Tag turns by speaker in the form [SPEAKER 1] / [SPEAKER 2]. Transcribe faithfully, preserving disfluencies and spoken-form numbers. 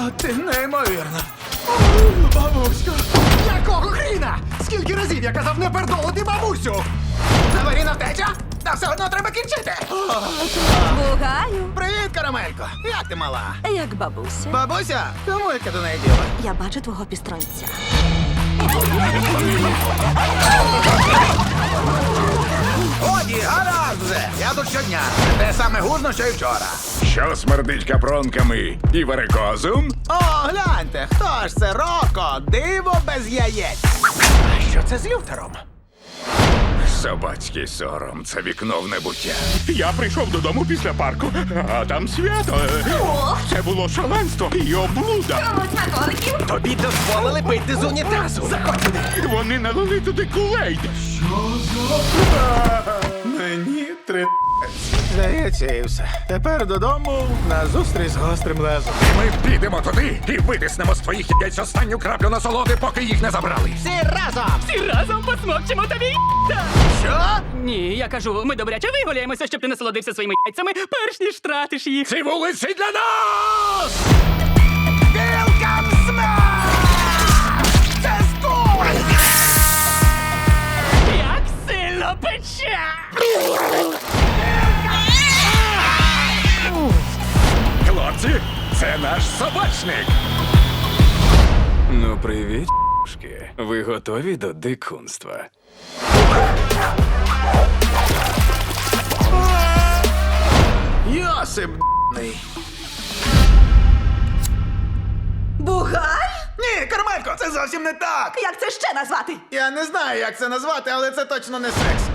[SPEAKER 1] А, ти неймовірна. Бабусько.
[SPEAKER 2] Якого хріна? Скільки разів я казав не пердолити бабусю? Аварійна втеча? Та все одно треба кінчити.
[SPEAKER 3] Бугаю,
[SPEAKER 2] Привіт, карамелько. Як ти мала?
[SPEAKER 3] як бабуся.
[SPEAKER 2] Бабуся? Кому яка до неї діла?
[SPEAKER 3] Я бачу твого пістронця.
[SPEAKER 2] Годі, гаразд вже. Я тут щодня. Те саме гузно, що й вчора.
[SPEAKER 4] Що смердить капронками і варикозом?
[SPEAKER 2] О, гляньте, хто ж це? Роко, диво без яєць. А що це з люфтером?
[SPEAKER 4] Собацький сором, це вікно в небуття. Я прийшов додому після парку, а там свято. Це було шаленство і облуда.
[SPEAKER 2] Тобі дозволили пити з унітазу. Заходь сюди.
[SPEAKER 4] Вони налили туди кулейд.
[SPEAKER 1] Мені три.
[SPEAKER 2] Здається, і все. Тепер додому на зустріч з гострим лезом.
[SPEAKER 4] Ми підемо туди і витиснемо з твоїх яєць останню краплю насолоди, поки їх не забрали.
[SPEAKER 2] Всі разом!
[SPEAKER 5] Всі разом посмокчемо тобі.
[SPEAKER 2] Що?
[SPEAKER 5] Ні, я кажу, ми добряче вигуляємося, щоб ти насолодився своїми яйцями, перш ніж втратиш їх.
[SPEAKER 4] Ці вулиці для нас!
[SPEAKER 2] Welcome Smash! Це скоро!
[SPEAKER 5] Як сильно пече!
[SPEAKER 4] Хлопці, це наш собачник.
[SPEAKER 1] Ну, привіт, ***шки. Ви готові до дикунства?
[SPEAKER 2] Йосип ***ний.
[SPEAKER 3] Бугай?
[SPEAKER 2] Ні, Кармелько, це зовсім не так.
[SPEAKER 3] Як це ще назвати?
[SPEAKER 2] Я не знаю, як це назвати, але це точно не секс.